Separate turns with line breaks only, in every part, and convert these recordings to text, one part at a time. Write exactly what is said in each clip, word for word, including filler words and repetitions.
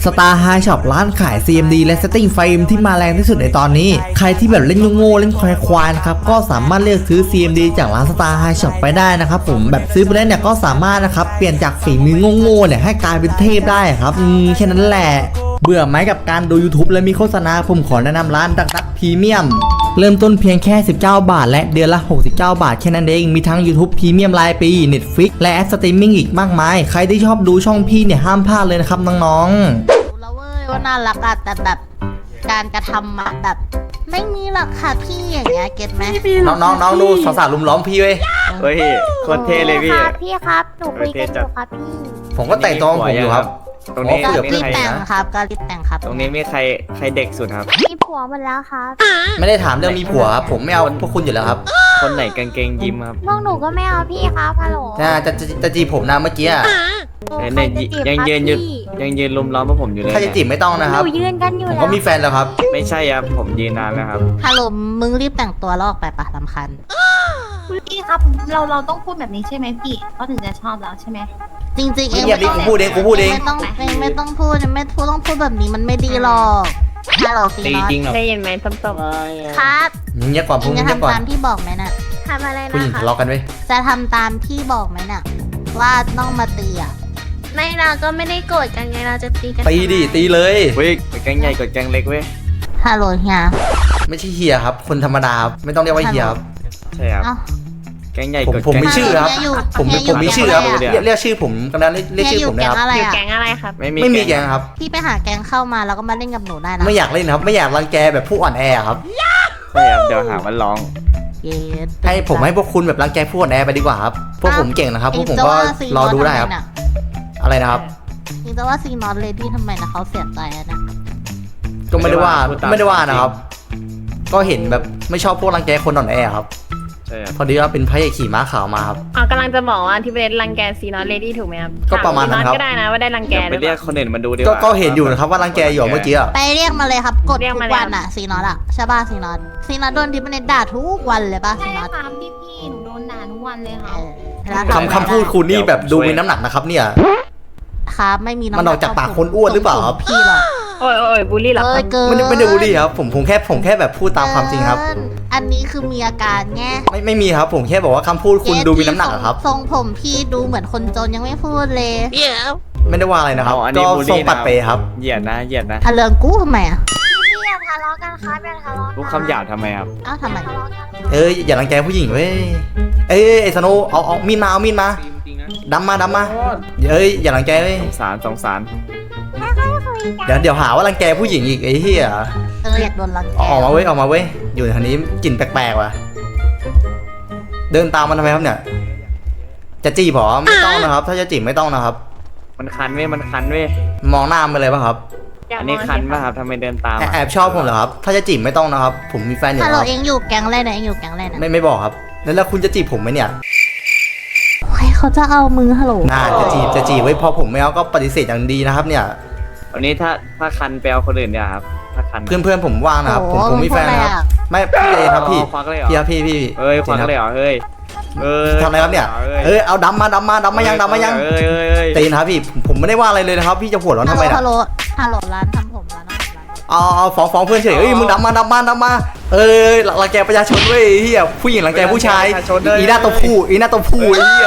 Star High Shop ร้านขาย ซี เอ็ม ดี และ Setting Frame ที่มาแรงที่สุดในตอนนี้ใครที่แบบเล่นโง่ๆเล่นควายๆนะครับก็สามารถเลือกซื้อ ซี เอ็ม ดี จากร้าน Star High Shop ไปได้นะครับผมแบบซื้อไปแล้วเนี่ยก็สามารถนะครับเปลี่ยนจากฝีมือโง่ๆเนี่ยให้กลายเป็นเทพได้ครับอืมแค่นั้นแหละเบื่อไหมกับการดู YouTube และมีโฆษณาผมขอแนะนำร้านดักดักพรีเมียมเริ่มต้นเพียงแค่สิบเก้าบาทและเดือนละหกสิบเก้าบาทแค่นั้นเองมีทั้ง YouTube พรีเมียมรายปี Netflix และแอปสตรีมมิ่งอีกมากมายใครที่ชอบดูช่องพี่เนี่ยห้ามพลาดเลยนะครับน้องๆ
รู้แล้วเว้ยว่าน่ารักอะแต่แบบการกระทำอะแบบไม่มีหรอกค่ะพี่อย่างเงี้ยเก็ตไหม
น้องน้องน้องดูสาวๆลุมล้อมพี่เว้ย
เฮ้ยโคตรเท่เลยพี่
ครับพี่ครับหนูคุยกันอยู่ครับพี่
ผมก็แต่งตัวของผมอยู่ครับ
ตรงนี้
ก็
มี
รีบ
ใคร
แต่ง
นะครับ
ก็รีบแต่งครับ
ตรงนี้มีใครใครเด็กสุดครับ
มีผัวหมดแล้วครับ
ไม่ได้ถามเรื่องมีผัวครับผมไม่เอาพวกคุณอยู่แล้วครับ
คนไหนกางเกงยิ้มครับ
พวกหนูก็ไม่เอาพี่ครับฮัลโหล
จะจะจะจะจีบผมนะเมื่อกี้อะ
เนี่ยยังยืนอยู่ยังยืนลุมล้อมพวกผมอยู่เลย
ถ้าจะจีบไม่ต้องนะครับ
หนูยืนกันอยู่
ผม
แล้ว
ก็มีแฟนแล้วครับ
ไม่ใช่ครับผมยืนนานแล้วครับ
ฮัลโหลมึงรีบแต่งตัวแล้วออกไปปะสำคัญ
พี่ครับเราเราต้องพูดแบบนี้ใช่ไหมพี่เขาถึงจะชอบเราใช่ไหม
จริงๆเอง
อย่าดิกูพูดเองกูพูดเอง
ไม่ต้องเองไม่ต้องพูดไม่พูดต้องพูดแบบนี้มันไม่ดีหรอกฮัลโหลซี
ตี
นอต
จริงหรอ
ได้ยินไหมส้ม
ครับ
เงียบก่อน
เอ
พูด
งจะ
เงียบก่อน
ทำตามที่บอกไหมน่ะ
ทำอะไร
ผู้หญิง
นะคะ
ทะเลาะกันเว้ย
จะทำตามที่บอกไหมน่ะว่าต้องมาตีอ่ะ
ไม่เราก็ไม่ได้โกรธกันไงเราจะตีกัน
ตีดิตีเลย
เว้ยแกงใหญ่กดแกงเล็กเว้ย
ฮัลโหลเฮีย
ไม่ใช่เฮียครับคนธรรมดาครับไม่ต้องเรียกว่าเฮียครับ
ใช่ครับ
เอ้า
แกงใหญ่
ผม
กด
ผม
แกง
มีชื่อครับ
เฮียอยู่
ผม
เฮียอยู่
ผมมีชื่อครับ
แก๊งอะไรอะ
เรียกเรียกชื่อผมกำลังเรียก
เฮีย
ชื่อ
อยู่
ผม
แก๊
นะ
ง
ครับ
อะไร
อยู่
อ่ะ
แก๊งอะไรครับ
ไม่มี
ไม่มีแกงครับ
พี่ไปหาแก๊งเข้ามาแล้วก็มาเล่นกับหนูได้นะ
ไม่อยากเล่นครับไม่อยากรังแกแบบผู้อ่อนแอครับ
ใช่ครับเดี๋ยวหาว่าร้อง
เย็น
ให้ผมให้พวกคุณแบบรังแกผู้อ่อนแอไปดีกว่าครับพวกผมเก่งนะครับพวกผมก็รอดูได้ครับอะไรนะครับ
จริงแต่ว่าซีนอตเลดี้ทำไมนะเขาเสียใจอะนะ
ก็ไม่ได้ว่าไม่ได้ว่านะครับ ก็เห็นแบบไม่ชอบพวกรังแกคนอ่อนแอครับ
ใช่ครับ
พอดีว่าเป็นพระเอกขี่ม้าขาวมาครับ
อ๋อกำลังจะบอกว่าที่ประเด็นรังแกซีนอตเลดี้ถูกไหมครับ
ก็ประมาณนั้นครับ
ก็ได้นะว่าได้รังแก
เดี๋ยว
ห
ไป
รือเป
เรียก
ล่า
คนอื่นมาดูดีก
ก็
ว่า
ก็เห็นอยู่นะครับว่ารังแกอยู่เมื่อกี้อะ
ไปเรียกมาเลยครับกด
เรียก
ทุ
มาก เลย
วันอะซีนอตอะใช่ป่ะซีนอตซีนอตโดนดิปเนตด่าทุกวันเลยป่ะซี
ใช่
นอต
ครับพี่พี่หนูโดนด่าทุกวันเลยค่ะ
เออแล้ว
คำคำพูดคุณนี่แบบดูมีน้ำหนักนะครับเนี่ย
ครับไม่มีำห
มันออกจากปากคนอ้วนหรือเปล่าครับ
พี่หรอก
โอ้ยโอ้ยบูลลี่เหรอ
เอ้
ครั
ย
บ
เกิน
ไม่ได้ไม่ได้บูลลี่ครับผมผมแค่ผมแค่แบบพูดตามความจริงครับ
เกินอันนี้คือมีอาการแง่
ไม่ไม่มีครับผมแค่บอกว่าคำพูดคุณดูมีน้ำหนักอะครับ
ทรงผมพี่ดูเหมือนคนจนยังไม่พูดเลย
ไม่ได้ว่าอะไรนะครับ
เอาอัน
ก็
นี้บูล
ทรง
ลี่
ปัดเปครับ
เหยียดนะเหยียดนะ
อะเรืองกู้ทำไมอะ
พี่อย่าทะเลาะกันครับอย่าทะเลาะ
พูดคำหยาบทำไมครับ
อ้าวทำไม
เอ้ยอย่ารังแกผู้หญิงเว้ยเอ้ยไอ้สโนว์เอาเอามีดมาเอามีดมาดำมาดำมาเอ้ยอย่ารังแกเว้ย
สงสารสงสาร
เดี๋ยวเดี๋ยวหาว่ารังแกผู้หญิงอีกไอ้เหี้ย
เอออยากโดนรังแก
ออกมาเว้ยออกมาเว้ยอยู่ทางนี้กลิ่นแปลกๆว่ะเดินตามมันทำไมครับเนี่ยจะจีบเหรอไม่ต้องนะครับ ถ้าจะจีบไม่ต้องนะครับ
มันคันเว้ยมันคันเว้ย
มองหน้ามันเลยป่ะครับ
อันนี้คันป่ะครับทำไมเดินตาม
แอบ
อะ
แอบชอบผมเหรอครับ ถ้าจะจีบไม่ต้องนะครับ ผมมีแฟนอยู่
ฮัล
แล้
โหล
ว
เองอยู่แก๊งอะไรนะเองอยู่แก๊งอะไรนะ
ไม่ไม่บอกครับ แล้วแล้วคุณจะจีบผมไหมเนี่ย
ใครเขาจะเอามือฮัลโหล
น่าจะจีบจะจีบไว้พอผมไม่เอาก็ปฏิเสธอย่างดีนะครับเนี่ย
วันนี้ถ้าถ้าคันไปเอาคนอื่นเนี่ยครับถ้าคัน
เพื่อนเพื่อนผมว่างนะครับผมผมมีแฟนนะครับไม่พี่เองครับพี่
ควักเลยเหรอ
พี่ครับพี่พี่
เอ้ยควักเลยเหรอเฮ้ยเอ้ย
ทำอะไรครับเนี่ย
เอ้ย
เอ้ยเอาดำมาดำมาดำมายังดำมายัง
เอ้ยเอ้ยเอ้ย
ตีนะครับพี่ผมผมไม่ได้ว่าอะไรเลยนะครับ พี่จะหัวร้อน
ฮั
ทำ
ลโห
ไม
ล
นะ
ฮัลโหลฮัลโหลร้านทำผมร้านทำผมร้าน
เอาเอาฟ้องฟ้องเพื่อนเฉยเอ้ยมึงดำมาดำมาดำมาเอ้ยรังแกประชาชนเว้ยเฮียผู้หญิงรังแกผู้ชายอีหน้าตัวผู้อีหน้าตัวผู้ไอ้เฮีย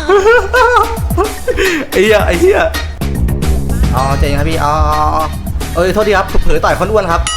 ไอ้เฮียไอ้เฮียอ๋อใจเย็นครับพี่อ๋อเอ้ยโทษทีครับเผลอต่อยคนอ้วนครับ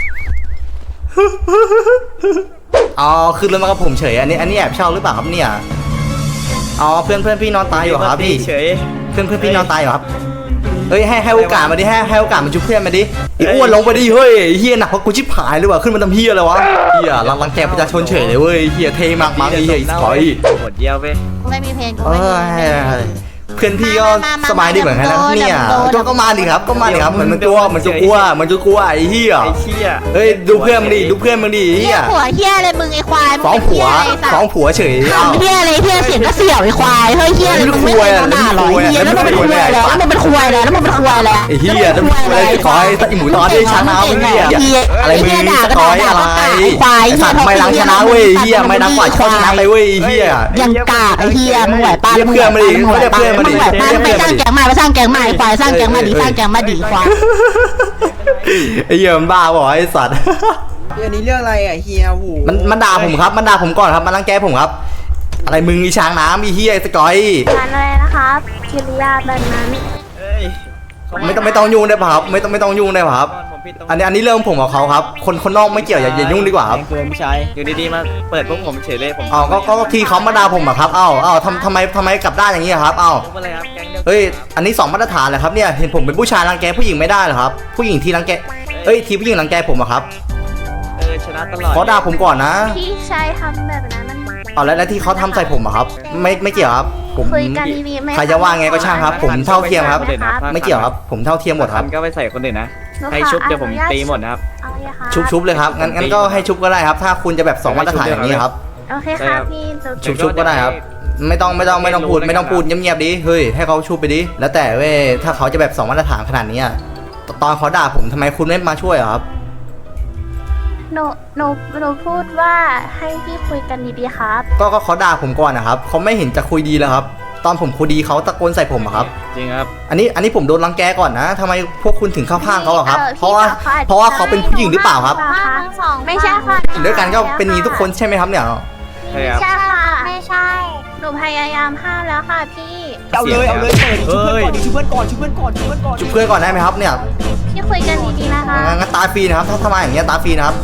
อ๋อคือเรื่องมากับผมเฉยอันนี้อันนี้แอบเช่าหรือเปล่าครับเนี่ยอ๋อเพื่อนเพื่อนพี่นอนตายอยู่ครับพี่
เฉย
เพื่อนเพื่อนพี่นอนตายอยู่ครับเฮ้ยให้ให้โอกาสมาดิให้ให้โอกาสมันจุ๊บเพื่อนมาดิไอ้อ้วนลงไปดิเฮ้ยเฮียหนักกว่ากูชิบหายเลยว่ะขึ้นมาทำเฮียอะไรวะเฮียรังรังแกประชาชนเฉยเลยเว้ยเฮียเท่มากมั้งไอ้เฮียอีสปอย
หมดเยี่ยวไป
กูไม่มีเพลงกู
เอ
ไม่มีเพลง
อเพื่อนพี่ก็สบายดีเหมือนกันนะเนี่ยก็ก็มาดิครับก็มาดิครับเหมือนมันตัวเหมือนจะกลัวเหมือนจะกลัวไอ้เฮีย
ไอ้เชี่ย
เฮ้ยดูเพื่อนมึงดิดูเพื่อนมึงดิเฮี
เฮีย
ย
ผัวเฮียอะไรมึงไอ้ควาย
ฟ้องผัวฟ้องผัวเฉย
ทำเฮียอะไรเฮียเสียงก็เสี่ยวไอ้ควายเฮ้ยเฮียอะไรมึงไม่เคยโดนด่าหรอเฮียแล้วมึงเป็นควายแล้วแล้วมึงเป็นควายแล้วแล้วมึงเป็นควายแล้ว
ไอ้เฮียจะพูดอะไรขอให้ไอ้หมูตอนที่ชนะเว้ยอะไรมึงสกอยอะไรสัตว์ไม่ล้างชนะเว้ยเฮียไม่นักกว่าชนะไปเว้ยเฮีย
ยังกากไอ้เฮียมึงไหวป้า
เรียกเพื่อนมาดิเรียกเพื่อนมา
มึงแบบมาไปสร้างแก๊งมาไปสร้างแก๊งมาไอ้ควายสร้างแก๊งมาดีสร้างแก๊งมาดีควาย
ไอ้เหี้ยมันบ้าบอกไอ้สัตว์
อันนี้เรื่องอะไรอ่ะเฮียหู
มันมันด่าผมครับมันด่าผมก่อนครับมันรังแกผมครับอะไรมึงอีช้างน้ำอีเหี้ยไอ้สกอย
งานอะไรนะครับกิริยาแบบนั้น
เอ้ย
ไม่ต้องไม่ต้องยุ่งได้ป่ะครับไม่ต้องไม่ต้องยุ่งได้ป่ะครับ
ผมผิดตรง
อันนี้อันนี้เรื่องผมกับเขาครับคนคนนอกไม่เกี่ยวอย่าอย่ายุ่งดีกว่าครับ
เกินพี่ชาย
อยู่ดีๆมาเปิดพวกผมเฉยเลยผม
เอาก็ก็ก็ทีเขามาด่าผมอะครับเอ้าเอ้าทำทำไมทำไมกลับด้านอย่างนี้อะครับเอ้า
ลุกมาเลยครับแก๊งเดียว
เฮ้ยอันนี้สองมาตรฐานเลยครับเนี่ยเห็นผมเป็นผู้ชายรังแกผู้หญิงไม่ได้เหรอครับผู้หญิงทีรังแกเอ้ยทีผู้หญิงรังแกผมอะครับ
เออชนะตลอด
เขาด่าผมก่อนนะ
พี่ชายทำแบบนั้นมัน
เอาแล้วแล้วที่เขาทำใส่ผมอะครับไม่ไม่เกี่ยวครับผม
คุยกันดีๆไหม
ใครจะว่าไงก็ช่างครับ ผมเท่าเทียมครับ
นะ
ไม่เกี่ยวครับผมเท่าเทียมหมดครับ
ก็ไปใส่คนอื่นนะให้ชุบเดี๋ยวผมตีหมดนะครับ
เอาเลยค่ะ
ชุบชุบเลยครับงั้นงั้นก็ให้ชุบก็ได้ครับ ถ้าคุณจะแบบสองมาตรฐานอย่างนี้ครับ
โอเคครับพี่จะ
ชุบชุบก็ได้ครับ ไม่ต้องไม่ต้องไม่ต้องพูดไม่ต้องพูดเงียบๆดิเฮ้ยให้เขาชุบไปดิแล้วแต่เว้ยถ้าเขาจะแบบสองมาตรฐานขนาดนี้อะตอนเขาด่าผมทำไมคุณไม่มาช่วยอะครับ
หนูหนูหนูพูดว่าให้พี่คุยกันดีๆครับ
ก็ก็เขาด่าผมก่อนนะครับเขาไม่เห็นจะคุยดีแล้วครับ ตอนผมคุยดีเขาตะโกนใส่ผมอะครับ
จริงครับ
อันนี้อันนี้ผมโดนรังแกก่อนนะทำไมพวกคุณถึงเข้าข้างเขาอะครับ
ออ
เพราะว่า
พี่
เพราะว่าเขาเป็นผู้หญิงหรือเปล่าครับ
ไม่ใช่ค่ะ
อยู่ด้วยกันก็เป็นอย่างนี้ทุกคนใช่ไหมครับเนี่ย
ใช่ครับ
ใช่ค่ะไม่ใช่ หนูพยายามห้ามแล้วค่ะพี่
เอาเลยเอาเลยเปิดชุบเพื่อนก่อนชุบเพื่อนก่อนชุบเพื่อนก่อนชุบเพื่อนก่อน
จุบเพื่อนก่อนได้ไหมครับเนี่ย
พี่คุยกันดีๆนะคะ
งั้นตาฟรีนะครับถ้าทำไมอย่างเงี้ยตาฟรีนะครับ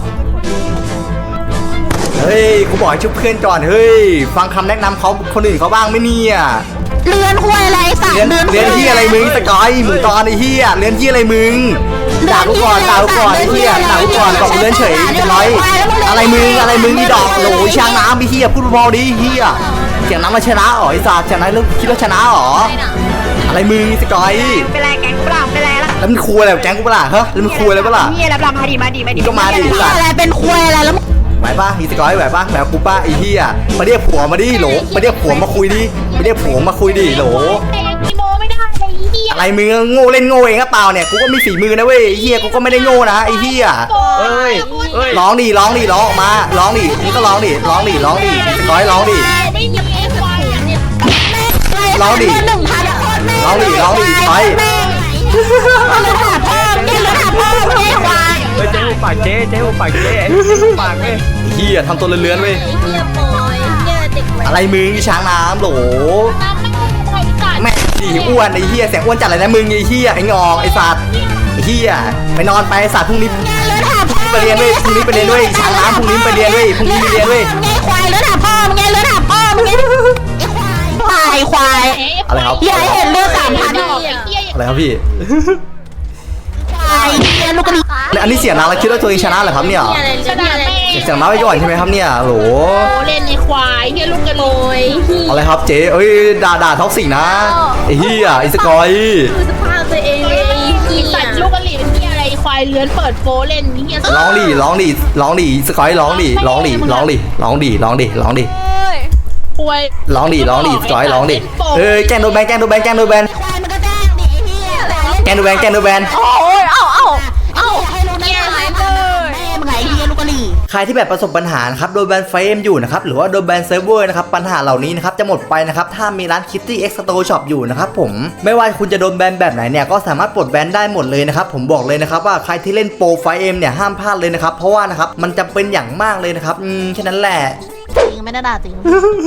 เฮ้ยกูบอกให้ชุบเพื่อนก่อนเฮ้ยฟังคำแนะนำเขาคนอื่นเขาบ้างไหมเนี่ย
เรือนควายอะไรสัตว์
เรียนเรียนที่อะไรมึงตะกอยมึงตอนไอ้เหี้ยเรียนที่อะไรมึงด่ากูก่อนด่ากูก่อนไอ้เหี้ยด่ากูก่อนบอกกูเรียนเฉยจะร้อยอะไรมึงอะไรมึงนี่ดอกโหลช่างน้ำไอ้เหี้ยพูดเบาๆดิเหี้ยเสียงน้ำมาชนะอ๋อไอ้สัตว์ชนะแล้วคิดว่าชนะอ๋ออะไรมึงตะกอย
เป็นไรแก๊งกูเปล่าเป็นไรล่ะ
แล้วมันคุยอะไรกับแก๊งกูเปะล่าฮะแล้วมันคุยอะไรเปะล่า
เฮียรับรำมาดีมาดีมาดี
ก็มาดิสัตว์
อะไรเป็นควายอะไรแล้ว
ไหวป่ะอีสกอยไหวป่ะไหวกูป้าไอ้เหี้ยมาเรียกผัวมาดิโหลมาเรียกผัวมาคุยดิมาเรียกผัวมาคุยดิโหล
แต่ยังกีโมไม่ได้เลยเฮีย
อะไรมึงโง่เล่นโง่เองก็เปล่าเนี่ยกูก็มีฝีมือนะเว้ยไอ้เหี้ยกูก็ไม่ได้โง่นะไอ้เหี้ย
เอ้ยเอ้ย
ร้องดิร้องดิร้องออกมาร้องดิมึงก็ร้องดิร้องดิร้องดิอีสกอยร้องดิ
ไม่มีไอ้ควายเนี่ย
ร้องดิ
หนึ่งพันคน
ร้องดิร้องดิอีสกอย
เลือดหาพ่อเลือดหาพ่อไม่ใช่ควาย
เฮ้ยเจ๊หูปากเจ๊เจ๊หูปากเจ๊หูปากเว้ย
ไอ้เหี้ยทำตัวเลื้อนๆเว้ย
เฮียโปยเฮียเด็กแว้น
อะไรมึงอีช้างน้ำโหล
น้ำไม่ได้กัด
แม่ดีอ้วนไอ้เหี้ยแสงอ้วนจัดเลยนะมึงไอ้เหี้ยไอ้งอกไอ้สัตว์ไอ้เหี้ยไปนอนไปไอ้สัตว์พรุ่งนี้
เลือดหาพ่อ
ไปเรียนเว้ยพรุ่งนี้ไปเรียนเว้ยช้างน้ำพรุ่งนี้ไปเรียนเว้ยพรุ่งนี้ไปเรียนเว้ย
ไงควายเลือดหาพ่อมึงไงเลือดหาพ่อมึงไงควายควาย
อะไรครับ
อย่าเห็นเลือดสามพัน
อะไรครับพี่
ควายเลือดลูกกระดิ่ง
แล้วอันนี้เสียงดังแล้วคิดว่าตัวเองชนะเหรอครับเนี่ย
ชนะแม่
เสียงน้อยไปก่อนใช่ไหมครับเนี่ยโหล
เล่นในควายเฮียลูกกระโดย
อะไรครับเจ๊เอ้ยด่าด่าท็อกซิกนะไอ้เหี้ยไอ้สกอย
คือสภาพตัวเองเลยอีสัตว์ลูกกระหลี่เป็นเฮียอะไรควายเลื้อนเปิดโฟเล่นเฮีย
ร้องดิร้องดิร้องดิสกอยร้องดิร้องดิร้องดิร้องดิร้องดิร้องดิ
ควาย
ร้องดิร้องดิสกอยร้องดิเอ้ยแกล้งโดนแบนแกล้งโดนแบนแกล้งโดนแบน
ควายมันก็แจ้งดิไอ้เหี้ย
แกล้งโดนแบนแกล้งโดนแบน
โอ้ยเอ้าเอ้าเอ้าให้รู้นะแม่มึงไงเหี้ยลูกกระดิ่ง
ใครที่แบบประสบปัญหานะครับโดนแบนเฟรมอยู่นะครับหรือว่าโดนแบนเซิร์ฟเวอร์นะครับปัญหาเหล่านี้นะครับจะหมดไปนะครับถ้ามีร้าน Kitty X Store Shop อยู่นะครับผมไม่ว่าคุณจะโดนแบนแบบไหนเนี่ยก็สามารถปลดแบนได้หมดเลยนะครับผมบอกเลยนะครับว่าใครที่เล่นโปรไฟเอ็มเนี่ยห้ามพลาดเลยนะครับเพราะว่านะครับมันจำเป็นอย่างมากเลยนะครับอืมแค่นั้นแหละ
จริงไม่ได้ด่าจริง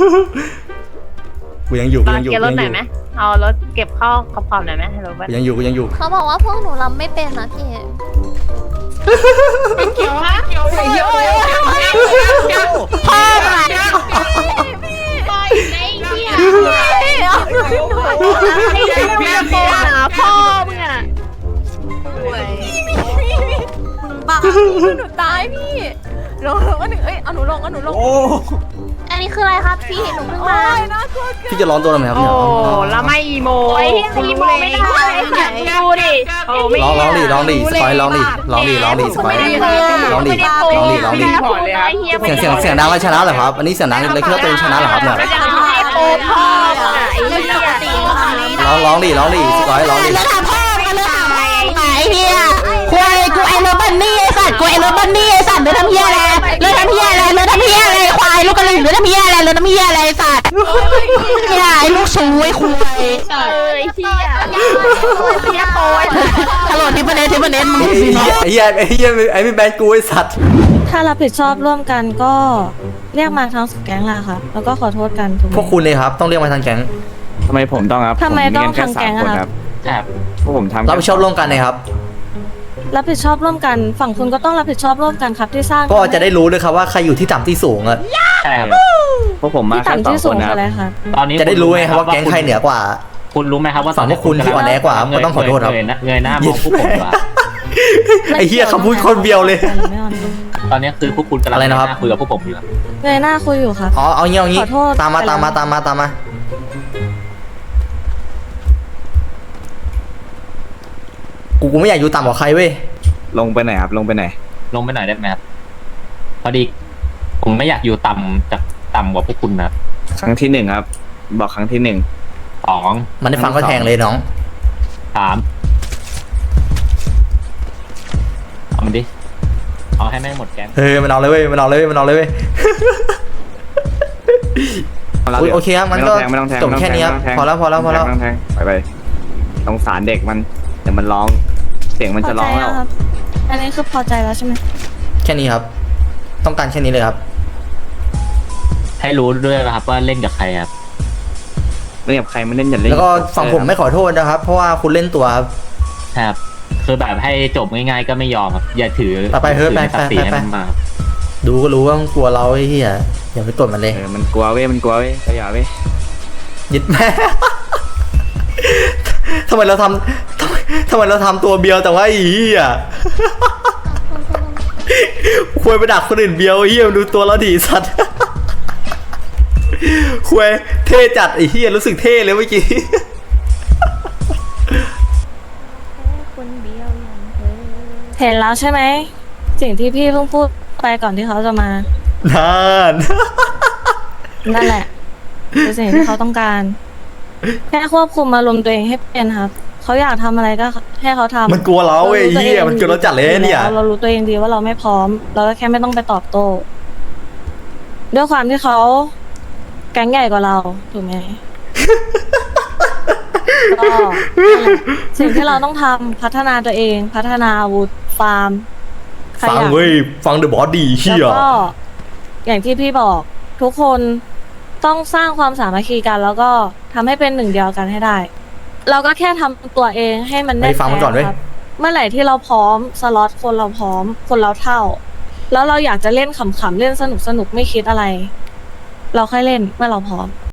กูยังอยู่กูยังอยู่
เก็บรถหน่อย
กู
ไหมเอารถเก็บเข้าขอบๆหน่อยไหมฮัลโหลเบิร์ต
ยังอยู่กูยังอยู่
เขาบอกว่าพวกหนูรำไม่เป็นนะพี่
เกี่ยวฮะเกี่ยวเกี่ยว
พ่อมึงไง
ปล่อยในเฮีย
พี่โป้หาพ่อมึงอ่ะ
บ้าหนูตายพี่ลงก็หนึ่งเอ้ยเอาหนูลงเอาหนูลง
โอ้
อันนี้คืออะไรครับพี่หนูเพิ่งมา
โอ้ยน่ากลัวเกิน
พี่จะร้อนตัวทำไมครับ
โอ้
เนี่ย
แล้วไม่อีโม
โอ้ย
คุณ
อี
รู้
โม
เลย
ไม่ได้ค่ะ
ดูดิโอ้ไม่
ร้องร้องดิร้องดิสกอยร้องดิร้องดิร้องดิสกอยร้องดิร้องดิร้องดิ
พอเลยครับ
เสียงเสียงเสียงดังแล้วชนะเหรอครับอันนี้เสียงดังเลยคิดว่าตัวเองชนะเหรอครับเนี่ย
แล้วจะให้โป้พ่อมึงอ่ะไอ้เหี้ย
ร้องร้องดิร้องดิสกอยร้องดิ
แล้วถามพ่อมึงเลือดหาพ่อมึงไงเหี้ยควายกูไอ้รถบันนี่ไอ้สัตว์กูไอ้รถบันนี่ไอ้สัตว์เลือดทำเหี้ยอะไรเลือดทำเหี้ยอะไรเลือดทำเหี้ยอะไรควายลูกกระดิ่งเลือดทำเหี้ยอะไรเลือดทำเหี้ยอะไรไอ้สัตว์เนี่ยไอ้ลูกชูไอ้คุย
เออไอ้เหี้ยเหี้ยโปย
ฮัลโหลทิปเนสทิปเนสมึง
ไอ้
สิ
เหี้ย
เนาะ
ไอ้เหี้ยไอ้เหี้ยไอ้พี่แบนกูไอ้สัตว์
ถ้ารับผิดชอบร่วมกันก็เรียกมาทั้งสองแก๊งแหละค่ะแล้วก็ขอโทษกันถูกไหม
พวกคุณเลยครับต้องเรียกมาทางแก๊ง
ทำไมผมต้องครับ
ทำไมต้อง
ผแค่
ทำแก๊งอะ
สามคน
ครับ
ใช่ครับพวกผมทำ
รับผิดชอบร่วมกันนะครับ
รับผิดชอบร่วมกัน ฝั่งคุณก็ต้องรับผิดชอบร่วมกันครับที่สร้าง
ก็จะได้รู้ด้วยครับว่าใครอยู่ที่ต่ำที่สูงอะ
ใช่ครับพวกผมมา
ที่
แค่
ต่ำ
สอง
ที่
ค
สู
น
ง
นะค
อะ
รับ
ไรคะ
ตอนนี้
จะได้รู้ไงครับว่าแก๊งใครเหนือกว่า
คุณรู้ไหมครับว่า
ฝั่งพวกคุณที่อ่อนแอกว่าก็ต้องขอโทษครับ
เงยหน้าเงยหน้ามองพวกผมดีกว่า
ไอ้เหี้ยคำพูดคนเบียวเลย
ไม่เอา
ตอนนี้คือพวกคุณกำลัง
อะไรนะครับ
เงยหาคุยกับพวกผมอยู่ครับ
เงยหน้าคุยอยู่ครับ
อ๋อเอางี้เอางี้
ขอโทษ
ตามมา
ไปแล้ว
ตามมาตามมาตามมากูกูไม่อยากอยู่ต่ำกว่าใครเว้ย
ลงไปไหนครับลงไปไหน
ลงไปหน่อยได้ไหมครับพอดีผมไม่อยากอยู่ต่ำจากต่ำกว่าพวกคุณนะครับ
ครั้งที่หนึ่งครับ บอกครั้งที่หนึ่ง
สอง
มันได้ฟังก็แทงเลยน้อง
สามเอามันดิเอาให้แม่งหมดแก๊ง
เฮ้ยมันเอาเลยเว้ยมันเอาเลยเว้ยมันเอาเลยเว้ย อุ๊ยโอเคครับมันก็
ไม่ต้องแทง
จบแค่นี้ครับ
ไม่ต้งทง
พอแล้วพอแล้วพอแล้ว
ไม่ต้องแทงไปไปสงสารเด็กมันเดี๋ยวมันร้อง เสียงมัน
พอ
จะ
ใจ
ร้อง
แล้
แล้ว ว
ครับ อันนี้คือพอใจแล้วใช่ไหม
แค่นี้ครับ ต้องการแค่นี้เลยครับ
ให้รู้ด้วยนะครับว่าเล่นกับใครครับ
เล่นกับใครไม่เล่นอย่าเล่น
แล้วก็ฝั่งผมไม่ขอโทษนะครับ เพราะว่าคุณเล่นตัวครับ
ครับคือแบบให้จบง่ายๆก็ไม่ยอมครับอย่าถือ
ไปไปเฮ้ย
ถือ
ไป
ศักดิ์ศรี
ไป
ให้
ไป
มันมา
ดูก็รู้ว่ามันกลัวเราไอ้เหี้ยอย่าไปกดมันเลย
เออมันกลัวเว้ยมันกลัวเว้ยก็อย่าเว้ย
ยึดแม่ ทำไมเราทำทำไมทำไมเราทำตัวเบียวแต่ว่าไอ้เหี้ย ควรไปดักคนอื่นเบียวไอ้เหี้ยมันดูตัวเราดีสัตว์ ควรเท่จัดไอ้เหี้ยรู้สึกเท่เลยเมื่อกี้
เห็นแล้วใช่ไหมสิ่งที่พี่เพิ่งพูดไปก่อนที่เขาจะมา
นาน
นั่นแหละคือสิ่งที่เขาต้องการ แค่ควบคุมอารมณ์ตัวเองให้เป็นครับเขาอยากทำอะไรก็ให้เขาทำ
มันกลัวเราเว้ยไอ้เหี้ยมันกลัวเราจัดเลยเนี่ย
เรารู้ตัวเองดีว่าเราไม่พร้อม เราก็แค่ไม่ต้องไปตอบโต้ ด้วยความที่เขาแก๊งใหญ่กว่าเราถูกไหม ก็นั่นแหละสิ่งที่เราต้องทำพัฒนาตัวเอง พัฒนาอาวุธฟาร์มข
ฟัง
ยัน
เว้ยฟังเดอะบอสดีเหี้
แล้ว
ย
ก็อย่างที่พี่บอกทุกคนต้องสร้างความสามัคคีกัน แล้วก็ทำให้เป็นหนึ่งเดียวกันให้ได้ เราก็แค่ทำตัวเองให้มัน
ไป
แน่น
ฟังมันก่อนเว้ย
ครับเมื่อไหร่ที่เราพร้อมสล็อตคนเราพร้อม คนเราเท่า แล้วเราอยากจะเล่นขำๆเล่นสนุกสนุกๆไม่คิดอะไร เราค่อยเล่นเมื่อเราพร้อม